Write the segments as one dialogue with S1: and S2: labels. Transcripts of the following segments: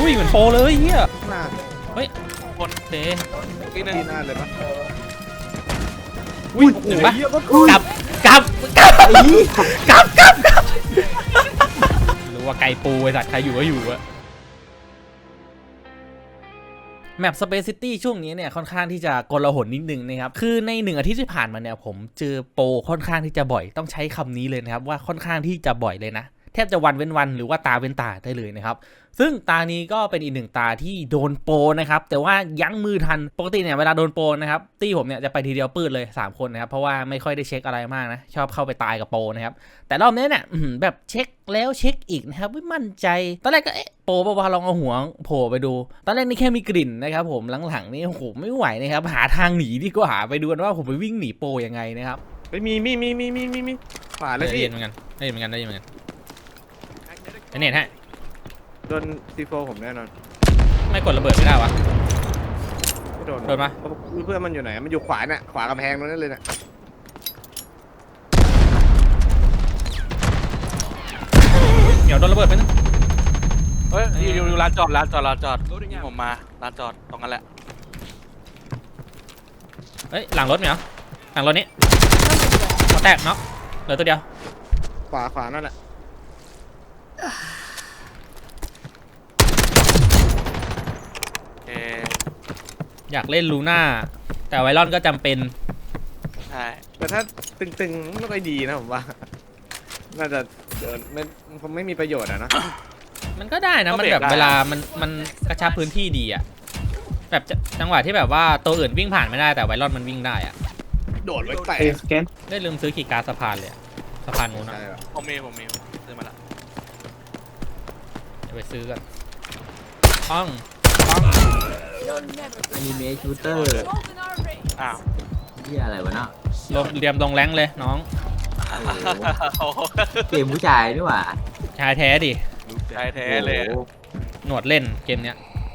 S1: วิ่งเหมือนโปรเลยเฮีย
S2: หน้า
S1: เฮ้ยคนเตะ
S2: ที่หน้าเลยปะ
S1: วิ่งเห็นปะ
S2: เหี้ยมัน
S1: กลับรู้ว่าไก่ปูไอ้สัตว์ใครอยู่ก็อยู่อะแมป Space City ช่วงนี้เนี่ยค่อนข้างที่จะกลาหลนิดนึงนะครับคือใน1 อาทิตย์ที่ผ่านมาเนี่ยผมเจอโปรค่อนข้างที่จะบ่อยต้องใช้คำนี้เลยนะครับว่าค่อนข้างที่จะบ่อยเลยนะแทบจะวันเว้นวันหรือว่าตาเว้นตาได้เลยนะครับซึ่งตานี้ก็เป็นอีก1 ตาที่โดนโปรนะครับแต่ว่ายั้งมือทันปกติเนี่ยเวลาโดนโปรนะครับตี้ผมเนี่ยจะไปทีเดียวปื้ดเลย3 คนนะครับเพราะว่าไม่ค่อยได้เช็คอะไรมากนะชอบเข้าไปตายกับโปรนะครับแต่รอบนี้เนี่ยแบบเช็คแล้วเช็คอีกนะครับไม่มั่นใจตอนแรกก็โปรป่าวลองเอาหัวโผล่ไปดูตอนแรกนี่แค่มีกลิ่นนะครับผมหลังๆนี่โอ้โหไม่ไหวนะครับหาทางหนีดีกว่าไปดูกันว่าผมไปวิ่งหนีโปรยังไงนะครับ
S2: มีขวาเลย
S1: ได้
S2: พี่
S1: ยินเหมือนกันไอ้เน็ตฮะ
S2: โดนซีโฟผมแน่นอน
S1: ไม่กดระเบิดไม่ได้วะ
S2: ไม่โดน
S1: โดนปะ
S2: เพื่อนมันอยู่ไหนมันอยู่ขวาน่ะขวากำแพงนั่นเลยน่ะ
S1: เหนียวโดนระเบิดไปนึง
S3: เฮ้ยอยู่ร้านจอดผมมาร้านจอดตรงนั้นแหละ
S1: เฮ้ยหลังรถเหนียวหลังรถนี้เขาแตกเนาะเหลือตัวเดียว
S2: ขวานั่นแหละ
S1: อยากเล่นลูน่าแต่ไวรอนก็จำเป็น
S3: ใช่
S2: แต่ถ้าตึงๆไม่ค่อยดีนะผมว่าน่าจะเดินไม่มีประโยชน์อะนะ
S1: มันก็ได้นะมันแบบเวลามันกระชับพื้นที่ดีอะแบบจังหวะที่แบบว่าตัวอื่นวิ่งผ่านไม่ได้แต่ไวรอนมันวิ่งได้อะ
S2: โดดไว้แตก
S1: ได้ลืมซื้อขีย์การ์ดสะพานเลยสะพานนู้นนะ
S2: ใช่ป่ะ
S3: ผมมีซื้อมาละ
S1: เดี๋ยวไปซื้อกันป้อง
S4: อนิเมะชูเตอร์
S3: อ้าว
S4: ที่อะไรวะเนาะ
S1: ลงเรียมลงแรงเลยน้อง
S4: โอ้โห
S3: โอ้โห
S4: เกมผู้ชายด้วยว่ะ
S1: ชายแท้ดิ
S3: ใช่แท้เลย
S4: โอ้โห
S1: หนวดเล่นเกมเนี้ย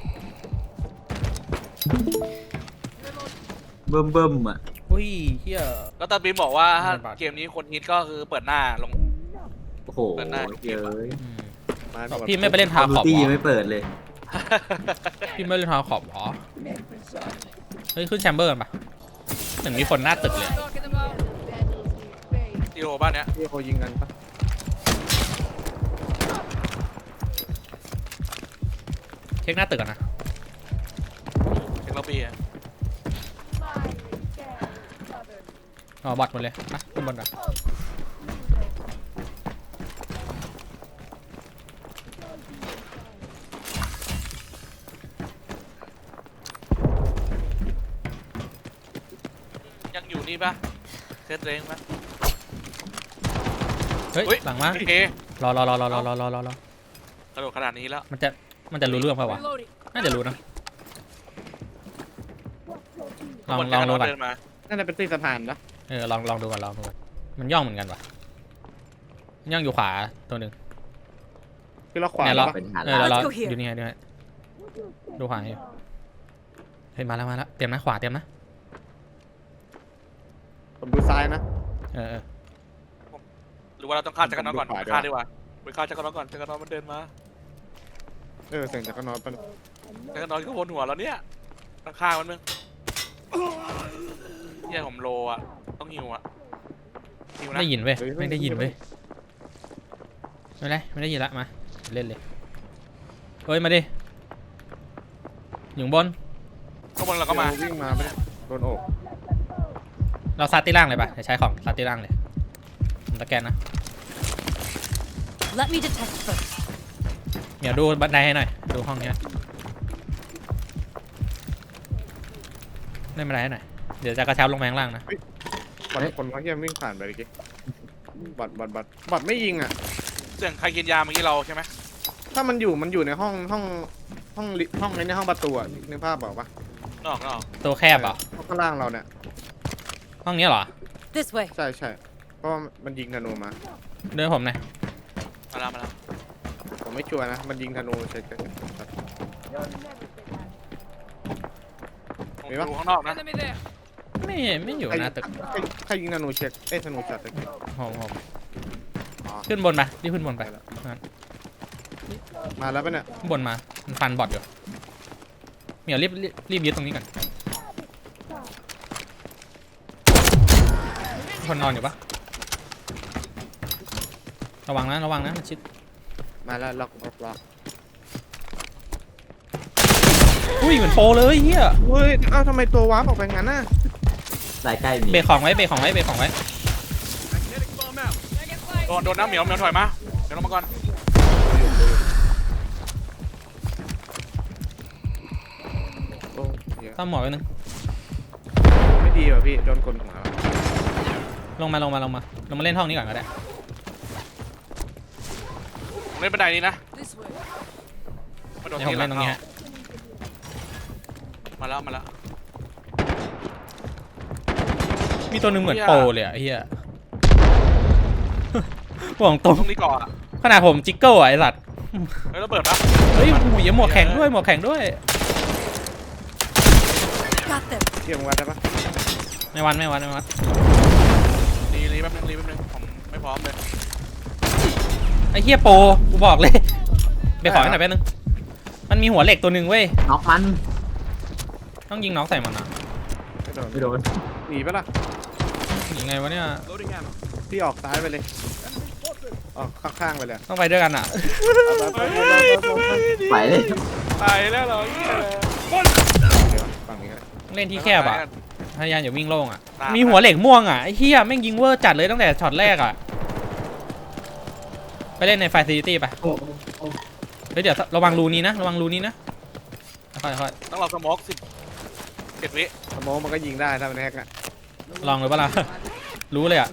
S4: เบิ่มอ่ะ
S1: อุ้ยเฮีย
S3: ก็ตอนบีมบอกว่าถ้าเกมนี้คนฮิตก็คือเปิดหน้าลง
S4: โอ้โห
S3: เปิดหน้า
S4: เยอะ
S2: มา
S1: พี่ไม่ไปเล่นทา
S4: คอม
S1: ขอบ
S4: ตี้
S1: เหร
S4: ยัง
S1: อ
S4: ไม่เปิดเลย
S1: พี่ไม่เล่นทาขอบเหรอเฮ้ยขึ้นแชมเบอร์กันปะเหมือนมีคนหน้าตึกเลย
S3: อีโอบ้านเนี้ย
S2: ที่เขายิงกันปะ
S1: เช็คหน้าตึกก่อนนะ
S3: เทคโนโลยีอะ
S1: อ๋อบอทหมดเลยนะขึ้นบนก่อน
S3: ยังอยู่นี่ปะเซตเรงปะ
S1: เฮ้ยหลังมา
S3: โอเค
S1: รอก
S3: ระโดดขนาดนี้แล้ว
S1: มันจะรู้เรื่องเปล่าวะน่าจะรู้นะลองดูก่อน
S3: เดินมา
S2: น่าจะเป็นตีสะพานนะ
S1: ลองดูก่อนมันย่องเหมือนกันวะมันย่องอยู่ขวาตัวหนึ่ง
S2: คือเราขวา
S1: เนี่ย
S2: แล้ว
S1: เรา
S2: ปะ
S4: เป็นหา
S1: เรา
S4: ร้าน
S1: ดูนี่ไงดูขวาอยู่เฮ้ยมาแล้วเตรียมนะขวาเตรียมนะ
S2: ผมดูซ้ายนะ
S3: หรือว่าเราต้องฆ่าจักรนอนก่อน
S2: ผมดูขวาด้วย
S3: ฆ่าดีกว่าไปฆ่าจักรนอนก่อนจักรนอนมันเดินมา
S2: เสียงจากข้างนอกปะ
S3: จักรนอนก็วนหัวแล้วเนี่ยต้องฆ่ามันมึงเนี่ยผมโลอ่ะต้องหิวอ่ะหิวนะ
S1: ได้ยินเว้ยไม่ได้ยินเว้ยไม่ได้ยินละมาเล่นเลยเฮ้ยมาดิอยู่บน
S3: ข้างบนเราก็มา
S2: วิ่งมาไปะโดนโอก
S1: เราซัดที่ล่างเลยปะเดี๋ยวใช้ของซัดที่ล่างเลยผมตะแกนนะ
S5: Let me detect first.
S1: เดี๋ยวดูบันไดให้หน่อยดูห้องนี้เล่นบันไดให้หน่อยเดี๋ยวจะกระชับลงไปข้างล่างนะ
S2: บอดคนว่าเฮียวิ่งผ่านไปเมื่อกี้บอดไม่ยิงอ่ะ
S3: เสียงใครกินยาเมื่อกี้เราใช่ไหม
S2: ถ้ามันอยู่ในห้องในห้องประตูอะนึกภาพบอกปะ
S3: นอก
S1: ตัวแคบเหรอ
S2: ข้างล่างเราเนี่ย
S1: ห้องนี้เหรอ
S5: This way.
S2: ใช่เพราะว่ามันยิงธนูมา
S1: เดินผมหน่อย
S3: มาแล้ว
S2: ผมไม่ชัวร์นะมันยิงธนูเฉย
S3: ผมดูข้างนอกนะ
S1: ไม่อยู่หน้าตึก
S2: ใครยิงธนูเช็คธนูช็อตตะกี้
S1: ผม
S2: อ๋อ
S1: ขึ้นบนไปรีบขึ้นบนไป
S2: ไปแล้วมาแล้วปะเนี่ย
S1: ข้างบนมามันฟันบอทอยู่เหมียวรีบยึดตรงนี้ก่อนคนนอนอยู่ปะระวังนะมันชิด
S2: มาแล้วล็อก
S1: อุ้ยเหมือนโปรเลยเฮีย
S2: เฮ้ยเอ้าทำไมตัววาร์ปออกไปงั้นน่ะ
S4: สายใกล้มี
S1: เบรกของไว้
S3: โดนน้ำเหมียวถอยมาเดี๋ยวลงมาก่อน
S2: โอ้เยอะ
S1: ตั้มหมอไว้นึง
S2: ไม่ดีว่ะพี่โดนกลหัว
S1: ลงมาเล่นห้องนี้ก่อนก็ได้
S3: เล่นบันไดนี้นะ
S5: This way.
S3: มาโดน
S1: เดี๋ยวผมเล่นตรงนี้ฮะ
S3: มาแล้ว
S1: มีตัวหนึงเหมือนโปรเลยอะเฮียห่วงตรง
S3: ตรงนี้ก่อนอะ
S1: ขนาดผมจิกเกิลอะไอสัตว์
S3: เฮ้ยระเบิดปะ
S1: เฮ้ยหูยหมวกแข็งด้วย
S5: Got them.
S2: เที่ยงวัดได้ปะ
S1: ไม่วัด
S3: รีแป๊บนึงผมไม่พร้อมเลย
S1: ไอ้เฮียโปรกูบอกเลยไปขอให้หน่อยแป๊บนึงมันมีหัวเหล็กตัวหนึ่งเว้ย
S4: น็อกมัน
S1: ต้องยิงน็อกใส่มันอะ
S2: ไม่โดน
S4: ไม่โดน
S2: หนีปะล่ะ
S1: ยังไงวะเนี่ย
S2: พี่ออกซ้ายไปเลยออกข้างๆไปเลย
S1: ต้องไปด้วยกันอะ
S4: ไปเลย
S3: ตายแล้วเหรอเหี้ย
S2: ฝั่งนี้ก็ได้
S1: เล่นที่แคบอะพยายามอย่าวิ่งโล่งอะ
S3: ตาม
S1: มีหัวเหล็กม่วงอะไอ้เฮียแม่งยิงเวอร์จัดเลยตั้งแต่ช็อตแรกอะไปเล่นในไฟซิตี้ไปเฮ้ยเดี๋ยวระวังรูนี้นะค่อย
S3: ต้องรอสโมก17 วิ
S2: สโมองมันก็ยิงได้ถ้ามันแฮกอะ
S1: ลองเลยปะล่ะ รู้เลยอะ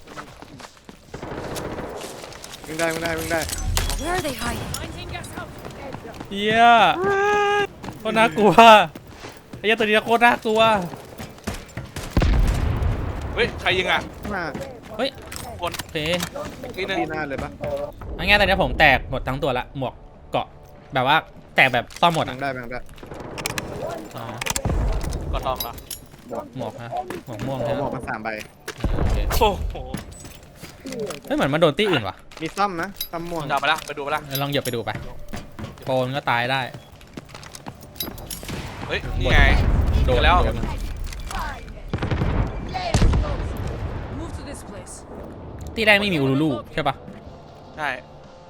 S2: วิ่งได้
S5: Where are they hiding?
S1: เฮียโคตรน่ากลัวไอ้เหี้ยตัวนี้โคตรน่ากลัว
S3: เฮ้ยใครยิงอ่ะ
S2: หน้า
S1: โอเค
S3: นี่นึง
S2: ที่หน้าเลยปะ
S1: เอาง่ายๆตอนนี้ผมแตกหมดทั้งตัวละหมวกเกาะแบบว่าแตกแบบซ่อมหมด
S2: แบ่
S1: อ่ะ
S2: งได้
S1: อ๋อ
S3: ก็ทองเหรอ
S1: หมวกฮะหมวกม่วง
S2: ผม
S1: ใช่ไหม
S2: บอกมา3 ใบ
S1: โอเค
S3: โอ้โห
S1: เฮ้ยเหมือนมันโดนตี้อื่นว่ะ
S2: มีซ่อมนะซ่อมม่วง
S3: จับไปละไปดูไปละ
S1: ลองเหยียบไปดูไปโปนก็ตายได้
S3: เฮ้ยนี่ไง
S1: โดน
S3: แล้ว
S1: โดน
S5: Move to this place.
S1: ตี้แรกไม่มีอูรูลูใช่ปะ
S3: ใช่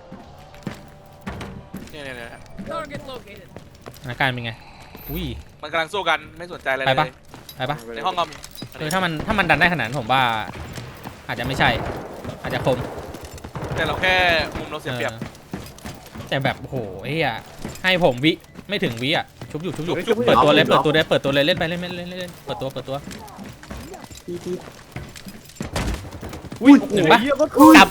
S3: เนี่ย
S5: Target located.
S1: สถานการณ์เป็นไงอุ้ย
S3: มันกำลังสู้กันไม่สนใจอะไร
S1: ไป
S3: เล
S1: ปะ
S3: ย
S1: ไปปะ
S3: ในห้องก็มี
S1: ถ้ามันดันได้ขนาดนั้นผมว่า อาจจะไม่ใช่ อาจจะคม
S3: แต่เราแค่มุมเราเสียเปรียบ
S1: แต่แบบโอ้โหเฮียให้ผมวิไม่ถึงวิอ่ะชุบอยู่เปิดตัวเลยเปิดตัวเลยเล่นไปเล่นเปิดตัว
S4: ที่
S1: อุ้ยถึงปะ
S2: เหี้ยก็
S1: กลับ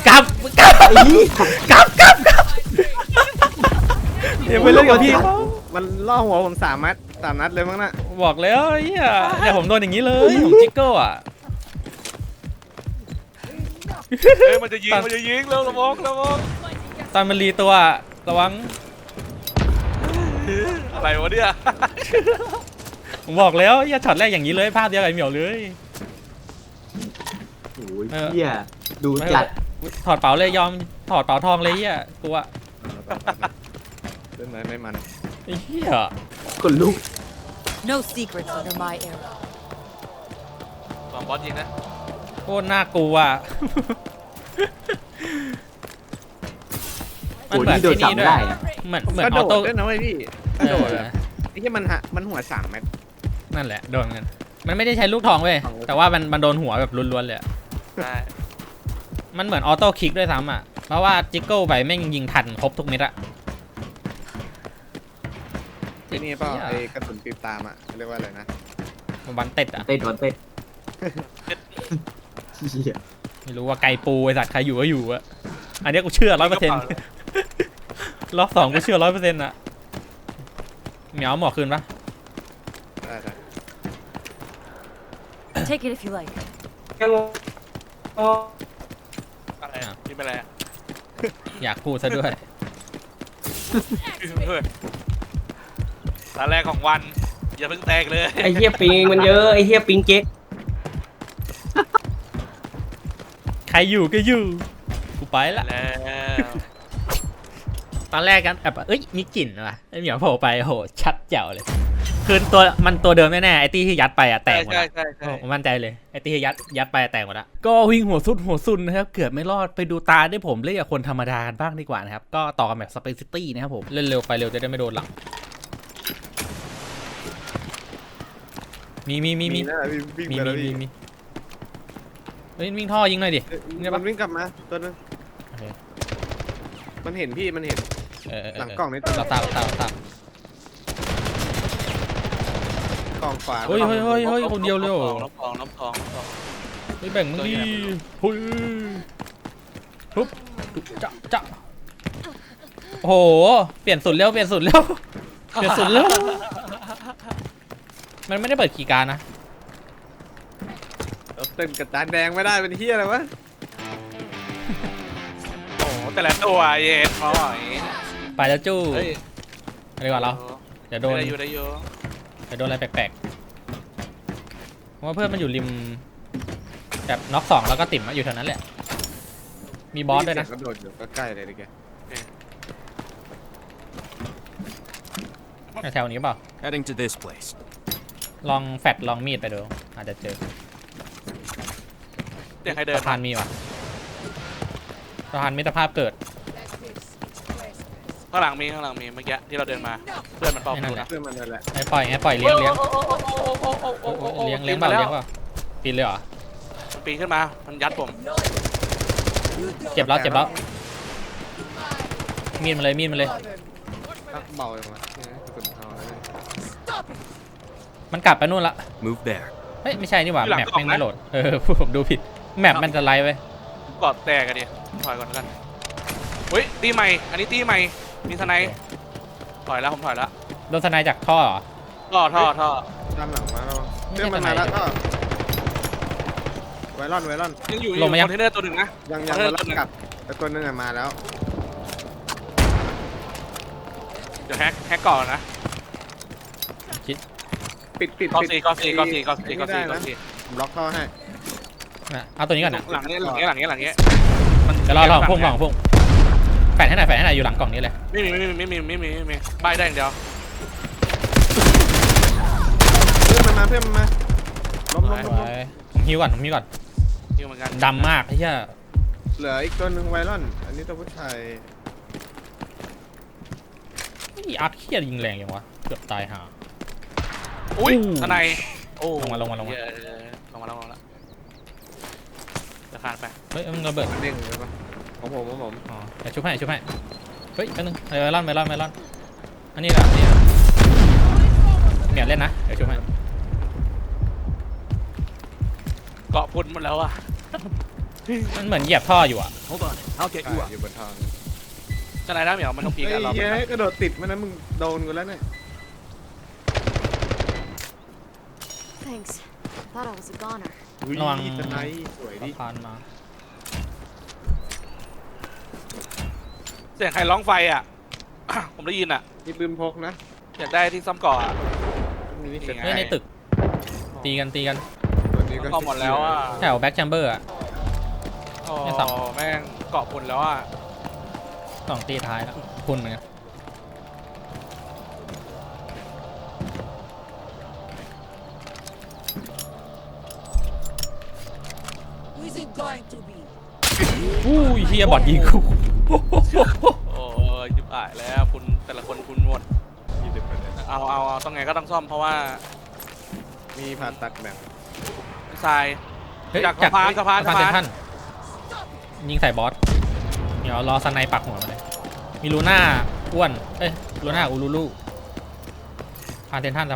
S1: เดี๋ยวไปเล่นกับพี่เขา
S2: มันล่อหัวผม3 นัดเลยมั้งน่ะ
S1: บอกแล้วเฮียเนี่ยผมโดนอย่างนี้เลยผมจิกเกิลอ่ะ
S3: เฮ้ยมันจะยิงเร็วระวัง
S1: ตอนมันรีตัวระวัง
S3: อะไรวะเนี่ย
S1: ผมบอกแล้วเฮียช็อตแรกอย่างนี้เลยภาพเดียวกับไอ้เหมียวเลย
S4: โอ้ยเฮียดูจัด
S1: ถอดเป๋าเลยยอมถอดเป๋าทองเลยเฮียกลัว
S2: เล่นไหนไม่มัน
S1: ไอ้เฮีย
S4: คนลุก
S5: No secrets under my arrow.
S3: สองบอสยิงนะ
S1: โคตรน่ากลัว
S4: โอ้ยนี่โดนจับไม่ได้อะ
S1: เหมือน
S2: กระ
S1: อ
S2: โด
S1: อ
S2: ด
S1: โต้
S2: ด้วยนะเว้ยพี่กระโดดอะไอ้ที่มันหัว3 เม็ด
S1: นั่นแหละโดนกันมันไม่ได้ใช้ลูกทองเว้ยแต่ว่ามันโดนหัวแบบล้วนๆเลยอะ
S3: ใช่
S1: มันเหมือนออโต้คลิกด้วยซ้ำอ่ะเพราะว่าจิกเกิลไปแม่งยิงทันครบทุกเม็ดอะ
S2: ที่นี่เปล่าไอ้กระสุนปีบตามอะเรียกว่าอะไรนะ
S1: วันเต็ดอ่ะ
S4: เต้นวันเต้นเฮีย
S1: ไม่รู้ว่าไก่ปูไอสัตว์ใครอยู่ก็อยู่อะอันนี้กูเชื่อ100%รอบ2กูเชื่อ100%อะเหมียวหมอคืนปะ
S2: ได้
S5: Take it if you like.
S3: อะไรอ่ะยิงไปแล้ว
S1: อยากพูดซะด้วย
S3: ตาแรกของวันอย่าเพิ่งแตกเลย
S6: ไอ้เหี้ยปิงมันเยอะไอ้เหี้ยปิงเก๊ก
S1: ใครอยู่ก็อยู่กูไปละ
S3: แล้วไป
S1: ตอนแรกกันแบบเอ้ยมีกลิ่นว่ะไอ้เหมียวโผล่ไปโหชัดแจ๋วเลยคือตัวเดิมแน่ๆไอ้ตี้ที่ยัดไปอะแตกหมด
S3: ใช่
S1: อะ
S3: ใช่ใช่
S1: ผมมั่นใจเลยไอ้ตี้ที่ยัดไปอะแตกหมดละก็วิ่งหัวสุดนะครับเกือบไม่รอดไปดูตาได้ผมเล่นกับคนธรรมดากันบ้างดีกว่านะครับก็ต่อกันแบบสเปซซิตี้นะครับผมเล่นเร็วไปเร็วจะได้ไม่โดนหลังมี
S2: นะวิ่งไปแล้วพี่
S1: เฮ้ยวิ่งท่อยิงหน่อยดิ
S2: มันวิ่งกลับมาตัวนึง
S1: โอเค
S2: มันเห็นพี่มันเห็น หลังกล่องนี่
S1: เราตาม
S2: กล่องขวา
S1: เฮ้ยคนเดียวเลยเหรอ
S3: น้ำทอง
S1: เฮ้ยแบ่งมึงดิเฮ้ยปุ๊บจะโอ้โหเปลี่ยนสุดเร็วมันไม่ได้เปิดคีย์การ์ดนะ
S2: เราเต้นกับจานแดงไม่ได้เป็นเฮียอะไรวะ
S3: โอ้แต่ละตัวเย็นเขาอ่ะ
S1: ไปแล้วจู้
S3: เฮ้ย
S1: อะไรก่อนเราเดี๋ยวโดน
S3: ได้อยู่
S1: อะไรแปลกๆเพราะว่าเพื่อนมันอยู่ริมแบบน็อก2แล้วก็ติ่มอยู่แถวนั้นแหละมีบอสด้วยนะ
S2: กระโดดอยู่ใกล้ๆเลยดิแก
S1: แถวนี้เปล่า
S7: Heading to this place.
S1: ลองแฟดลองมีดไปดูอาจจะเจอ
S3: เดี๋ยวใครเดิน
S1: สะพานมีว่ะสะพานมิตรภาพเกิด
S3: ข้างหลังมีเมื่อกี้ที่เราเดินมาเพื่อนมันเป่า
S1: นั่นแหละ
S2: เพื่อนมันนั่นแหละ
S1: ไอ้ปล่อยเลี้ยงเปล่าปีนเลยเหรอ
S3: มันปีนขึ้นมามันยัดผม
S1: เจ็บแล้วมีดมาเลย
S2: เบาเลยมั้ยกดเท้าเลย
S1: มันกลับไปนู่นละ
S7: Move there.
S1: เฮ้ยไม่ใช่นี่หว่าแมปแม่งไม่โหลดผมดูผิดแมปมันจะไลฟ์ไว้
S3: กอดแตกกันดิถอยก่อนแล้วกันเฮ้ยตีใหม่อันนี้ตีใหม่มีทนายถอยแล้วผมถอยแล้ว
S1: โดนสไนจากท่อเหรอ
S3: ท่อ
S2: ตามหลังมาแล้วเพื่อนมันมาแล้วก็ไวรอน
S3: ยังอยู่คอนเทนเนอร์ตัวหนึ่งนะ
S2: ยังไวรอนกลับแต่ตัวนึงมาแล้ว
S3: เดี๋ยวแฮกก่อนนะ
S2: ปิด
S3: ก็ซี
S2: ผมล็อกท่อให้
S1: นะเอาตัวนี้ก่อนนะ
S3: หลังนี้
S1: เดี๋ยวรอพุ่งแฝดให้หน่อยอยู่หลังกล่องนี้เลย
S3: ไม่มีใบได้อย่างเดียว
S2: เพื่อนมันมาล้ม
S1: ผมฮิวก่อน
S3: ยิงเหมือนกัน
S1: ดำมากไอ้เหี้ย
S2: เหลืออีกตัวนึงไวรอนอันนี้ตัวผู้ชาย
S1: อาร์คเคียยิงแรงอย่างวะเกือบตายห่า
S3: อุ้ยทนายโอ้
S1: ลงมา
S3: ลงมาแล้วจะขาดไป
S1: เฮ้ยมึงระเบิด
S2: มันเด้งเลยปะของผม
S1: อ๋อเดี๋ยวชุบให้เฮ้ยแป๊บนึงไวรอนอันนี้แหละเนี่ยเล่นนะเดี๋ยวชุบให้
S3: เกาะพุ่นหมดแล้วอ่ะ
S1: มันเหมือนเหยียบท่ออยู่อ่ะ
S7: Hold on. I'll get you up.
S2: อยู่บนทาง
S3: ทนายน้ำเหมียวมันต้องพีกันเรา
S2: เฮ้ยกระโดดติดมันนะมึงโดนกูแล้วเนี่ย
S8: Thanks. Thought I was a goner.
S1: ระวัง
S2: สไนสวยดิ
S1: ผ่านมา
S3: เสียงใครร้องไฟอ่ะ ผมได้ยินอ่ะ
S2: มีปืนพกนะ
S3: อยากได้ที่ซ่อมก่ออ่ะ
S2: มีนี่เสร็จ
S1: เฮ้ยในตึกตีกัน
S2: ตัวนี้ก็
S3: ซ่อมหมดแล้วอ่ะ
S1: แถวแบ็กแชมเบอร์อ่ะ
S3: โอ้
S1: ไม่ซ่อม
S3: แม่งเกาะพุ่นแล้วอ่ะ
S1: 2 ตีท้ายแล้วคุณเหมือนกันอู้ยเฮียบอดยิงกู
S3: โอ้ยยิบอายแล้วคุณแต่ละคนคุณหมด เอาต้องไงก็ต้องซ่อมเพราะว่า
S2: มีผ่าตัดแบบ
S3: ทราย
S1: เฮ้ย
S3: จากสะพาน
S1: เซนทันยิงใส่บอสเดี๋ยวรอสไนปักหัวมาเลยมีลูน่าอ้วนลูน่าอูลูลูสะพานเซนทัน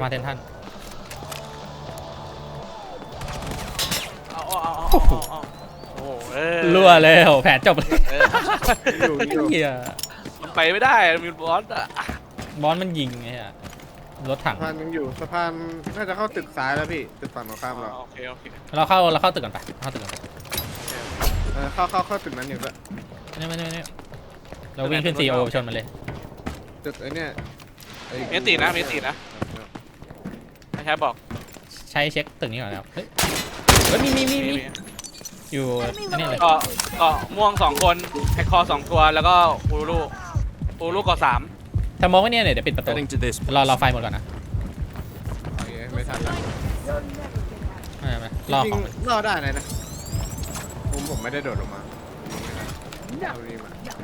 S3: เอาโอ้โห
S1: รั่วแล้วแผลจบเลย
S2: อยู่
S1: เฮีย
S3: มันไปไม่ได้มีบอสอ่ะ
S1: บอสมันยิงไงฮะรถถัง
S2: สะพานยังอยู่สะพานน่าจะเข้าตึกซ้ายแล้วพี่ตึกฝั่งตรงข้ามเรา
S3: โอเค
S1: เราเข้าตึกกันไปเข้าตึกกันไป
S2: เข้าตึกนั้นอยู่ก็
S1: นี่เราวิ่งขึ้นซีโอชนมันเลย
S2: ตึกไอ้เนี่ย
S3: เมตินะไม่ใช่บอก
S1: ใช้เช็คตึกนี้ก่อนแล้วเฮ้ยมีอยู่อันนี้เลย
S3: เกาะม่วง2 คนแฮกคอ2 ตัวแล้วก็ฮูลูโอ้ลูกก่อ3
S1: ถ้ามองไว้เนี่ยเดี๋ยวปิดประตู
S7: Heading to this
S1: รอไฟหมดก่อนนะ
S2: โอเคไม่ทันแล้ว
S1: ไม่รอ
S2: จริ
S1: ของ
S2: งๆรอดได้นะผมไม่ได้โดดลงมาเอานี่มา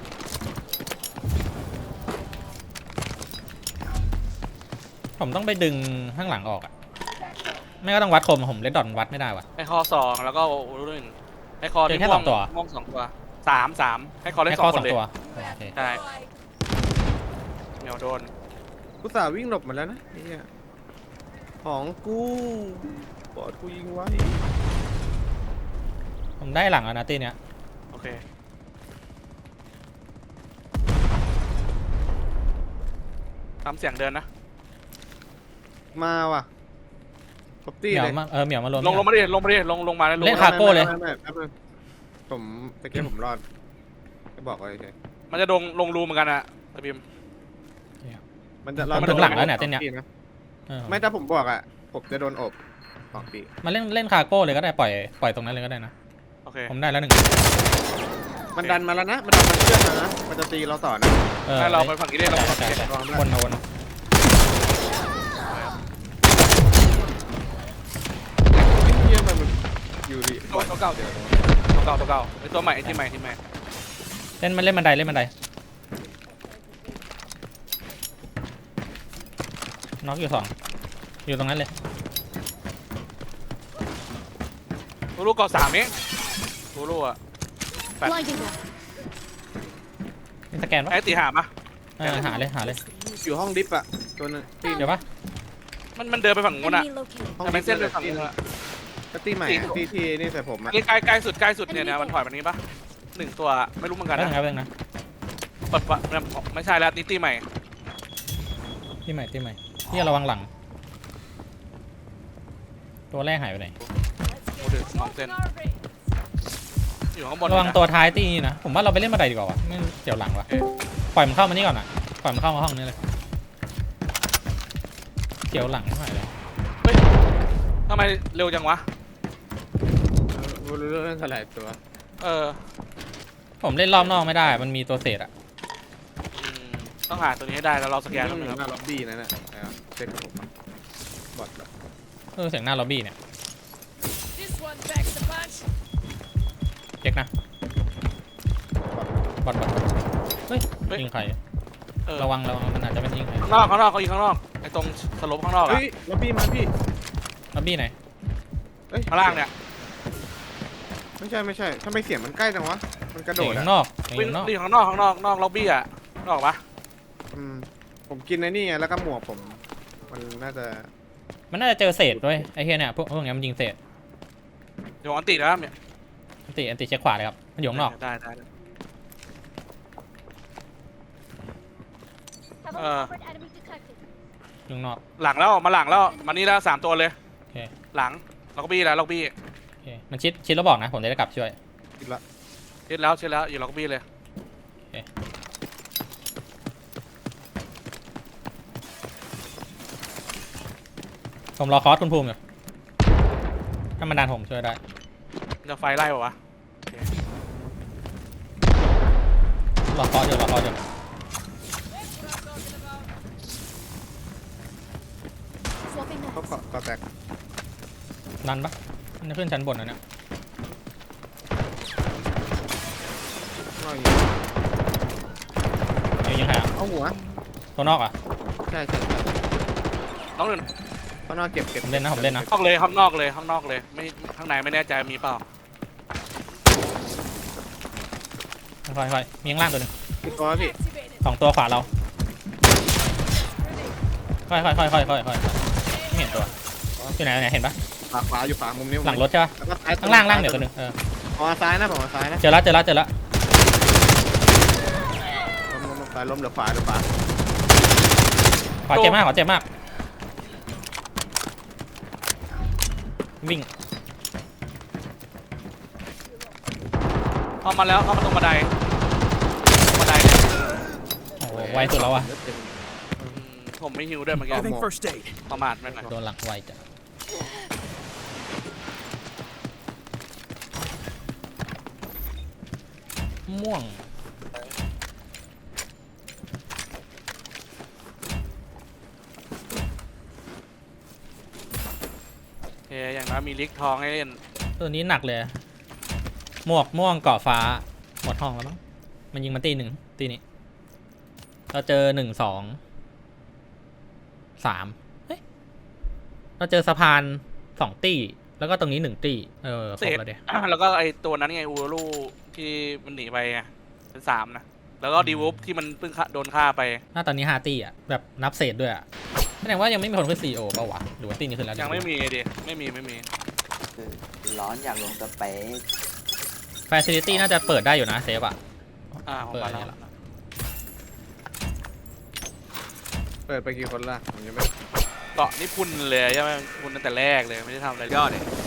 S1: ผมต้องไปดึงข้างหลังออกอะไม่ก็ต้องวัดคมผมเล่นดอนวัดไม่ได้ว่ะ
S3: ให้คอ2แล้วก็โอ้ลูก1ให้คอ
S1: เจอ
S3: ที่
S1: แค่
S3: ม่วง
S1: 2ตัว
S3: ม่วง2ตัว3ให้คอเล่น
S1: ให้
S3: 2
S1: ข้อ
S3: ค
S1: สอน ง
S3: เลย
S1: ตัวโอเค
S3: ใช่เหนียวโดน
S2: กูสาวิ่งหลบมาแล้วนะไอ้เนี่ยของกูบอดกูยิงไว้
S1: ผมได้หลังแล้วนะตีเนี้ย
S3: โอเคตามเสียงเดินนะ
S2: มาว่ะครบ
S1: เห
S2: ตี้
S1: มียว
S2: เลย
S1: มาเหมียวมารวม
S3: ลงมาดิลงมาดิลงมาแล้วลง
S1: เล่น
S3: มา
S1: คาโก้เลย
S2: ไม่แป๊บนึงผมตะเกียบผมรอดจะบอกไว้เฉย
S3: มันจะลงรูเหมือนกันอะตะบิม
S2: มันจะ
S1: มันถึงหลังแล้วเนี่ยเต้นเนี้ย เออ
S2: ไม่ถ้าผมบอกอ่ะผมจะโดนอบ2 ปี
S1: มาเล่นคาโก้เลยก็ได้ปล่อยตรงนั้นเลยก็ได้นะ
S3: โอเค
S1: ผมได้แล้ว1
S2: มันดันมาแล้วนะมันดันมันเชื่อมมานะมันจะตีเราต่อนะ
S3: ให้เราไปฝั่งนี้ได้เราไปฝั่ง
S1: ใช่
S3: นี้
S1: ใช่
S2: ลองด้วย
S1: วนมาวนมา
S2: เยี่ยมมันอยู่ดี
S3: ตัวเก่าไอตัวใหม่ไอที่ใหม่
S1: เล่นบันไดน็อกอยู่2อยู่ตรงนั้นเลย
S3: ลูกก่อ3เองลูกอะ
S8: Blinding them.
S1: มีสแกนปะ
S3: ไอตีหามา
S1: หาเลย
S2: อยู่ห้องดิฟอะตัวนึงตี
S1: เดี๋ยวปะ
S3: มันเดินไปฝั่งนู้นอะ
S8: Enemy located.
S2: ห้อง
S3: แต่มันเส้นไปฝั่งนู้นอะ
S2: ก็ตีใหม่อะตีที่นี่ใส่ผมอะ
S3: นี่ใกล้สุดเนี่ยมันถอยแบบนี้ปะ1ตัวไม่รู้เหมือนกัน
S1: แป๊บ
S3: นะ
S1: นึงครับแป๊บนึงนะ
S3: เปิดไม่ใช่แล้วนี่ตีใหม่
S1: ที่ใหม่ที่ระวังหลัง ตัวแรกหายไปไหน
S3: โอ้เดือด2 เซนอยู่ข้างบน
S1: ระวังตัวท้ายตีนี่นะ ผมว่าเราไปเล่นบันไดดีกว่าวะไม่เดี๋ยวหลังวะปล่อยมันเข้ามานี่ก่อนอะปล่อยมันเข้ามาห้องนี้เลยเกี่ยวหลังไม่ไหวเลย
S3: เฮ้ยทำไมเร็วจังวะ
S2: รู้เรื่องสลายตัว
S1: ผมเล่นรอบนอกไม่ได้ มันมีตัวเศษอะ
S3: ต้องหาตัวนี้ให้ได้แล้วเราสแกน
S2: ต้
S3: แล้
S2: อ
S3: ว
S2: งมี
S3: นะ
S2: หน้าล็อบบี้นั่นน่ะเซ็ตกับผมอะบอดแบบ
S1: เสียงหน้าล็อบบี้เนี่ย
S5: This one packs the punch.
S1: เช็คนะบอดเฮ้ยยิงใครระวังมันอาจจะไม่ยิงใคร
S3: ข้างนอกเขายิงข้างนอกไอ้ตรงสลบข้างนอกอะ
S2: เฮ้ยล็อบบี้มาพี่
S1: ล็อบบี้ไหน
S2: เฮ้ย
S3: ข้างล่างเนี่ย
S2: ไม่ใช่ทำไมเสียงมันใกล้จังวะมันกระโด
S1: เสียง
S2: ด
S1: ข้า
S2: อะ
S1: งนอก
S3: วิ่ง
S1: ข้างนอก
S3: ข้างนอกล็อบบี้อะนอกปะ
S2: ผมกินไอ้นี่ไงแล้วก็หมวกผมมันน่าจะ
S1: มันน่าจะเจอเศษด้วยไอ้เฮียเนี่ยพวกเนี้ยมันยิงเศษ
S3: เดี๋ยวอันติดแล้วเนี่ย
S1: อันติเช็คขวาเลยครับมันอยู่ข้างนอก
S3: ได้
S8: Have
S3: Uh.
S8: uncovered enemy detected.
S1: อยู่ข้างนอก
S3: หลังแล้วมานี่แล้ว3 ตัวเลย
S1: โอเค
S3: หลังล็อบบี้แล้วล็อบบี้
S1: โอเคมันชิดแล้วบอกนะผมจะได้กลับช่วย
S2: กินละ
S3: เช็ดแล้วอยู่ล็อบบี้เลย
S1: ผมรอคอสคุณภูมิอยู่ถ้ามันดันผมช่วยได้
S3: จะไฟไล่ป่าวะ
S1: รอคอสอยู่
S8: Swapping
S2: เขา
S8: knives.
S2: เกาะแตก
S1: ดันปะมันจะขึ้นชั้นบนนะเนี่ย
S2: นอกอย่างนี้
S1: ยิงใครอ่ะ
S2: เอาหัว
S1: ตัวนอกอ่ะ
S2: ใช่
S3: น้องหนึ่ง
S2: ข้างนอกเก็บ
S1: ผมเล่นนะ
S3: ข้างนอกเลยไม่ข้างในไม่แน่ใจมีเปล่า
S1: ค่อยๆมีข้างล่างตัวหนึง
S2: พี่กอพี่
S5: Activated.
S1: 2 ตัวขวาเราค่อยไม่เห็นตัวอยู่ไหนเห็นปะ
S2: ขวาอยู่ขวามุมนี้
S1: หลังรถใช่ปะ
S2: แล้วก็ซ้าย
S1: ข้างล่างเดี๋ยวตัวหนึง
S2: ผมเอาซ้ายนะผมเอาซ้ายนะ
S1: เจอแล้ว
S2: ล้มซ้ายล้มเหลือขวา
S1: ขวาเจ็บมากวิ่ง
S3: เข้ามาตรงบันไดเนี่ย
S1: โอ้โหไวสุดแล้วอ่ะ
S3: ผมไม่ฮิวด้วยเมื่อกี้
S7: Having first aid.
S3: ประมาทไม่หน่อย
S1: โดนหลังไวจ้ะม่วง
S3: อย่างน้อยมีลิกทองให้เล่น
S1: ตัวนี้หนักเลย หมวกม่วงเกาะฟ้าหมดห้องแล้วมั้งมันยิงมาตีหนึ่งตีนี้เราเจอ1 2 3เฮ้ยเราเจอสะพาน2 ตีแล้วก็ตรงนี้1 ตีคร
S3: เศ
S1: บ
S3: ษ
S1: แล้วเดีย
S3: แล้วก็ไอตัวนั้นไงอูรูที่มันหนีไปไงเป็น3นะแล้วก็ดีวูฟที่มันเพิ่งโดนฆ่าไป
S1: หน้าตอนนี้5 ตีอ่ะแบบนับเศษด้วยอ่ะแสดงว่ายังไม่มีคนขึ้นซีโอป่าวะหรือว่าตีนี้ขึ้นแล้ว
S3: ยังไม่มีดิไม่มี
S9: คือร้อนอยากลงสเปซ
S1: ฟาซิลิตี้น่าจะเปิดได้อยู่นะเซฟอ่ะ
S3: ผม
S1: เปิด
S3: มา
S1: อะไร
S3: แล้ว
S1: ล่ะ
S2: เปิดไปกี่คนละผมยังไม่
S3: เกาะนี่พุ่นเลยใช่ไหมพุ่นตั้งแต่แรกเลยไม่ได้ทำอะไรเลย
S7: Got it.